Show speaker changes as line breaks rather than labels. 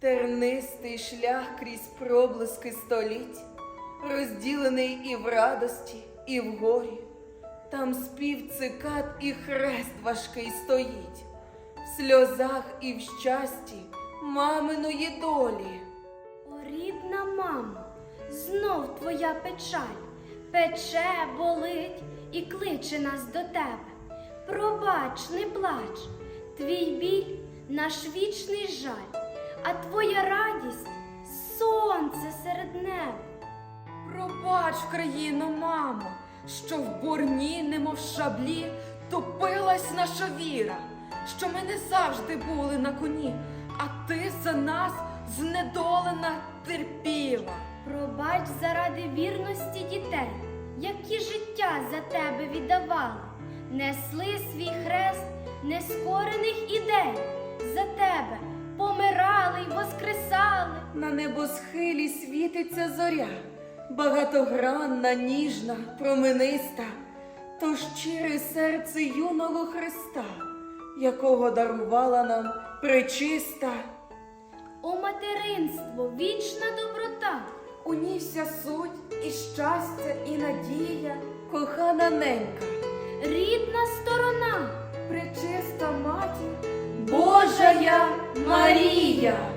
Тернистий шлях крізь проблиски століть, розділений і в радості, і в горі. Там спів цикад і хрест важкий стоїть, в сльозах і в щасті маминої долі.
О, рідна мамо, знов твоя печаль, пече, болить і кличе нас до тебе. Пробач, не плач, твій біль – наш вічний жаль, а твоя радість – сонце серед неба.
Пробач, країно, мамо, що в бурні, немов шаблі, топилась наша віра, що ми не завжди були на коні, а ти за нас знедолена терпіла.
Пробач заради вірності дітей, які життя за тебе віддавали, несли свій хрест нескорених ідей, за тебе помирали й воскресали.
На небосхилі світиться зоря, багатогранна, ніжна, промениста, то щире серце юного Христа, якого дарувала нам пречиста.
О, материнство, вічна доброта,
У ній вся суть і щастя, і надія,
Кохана ненька,
рідна сторона,
пречиста матір.
Божая Марія.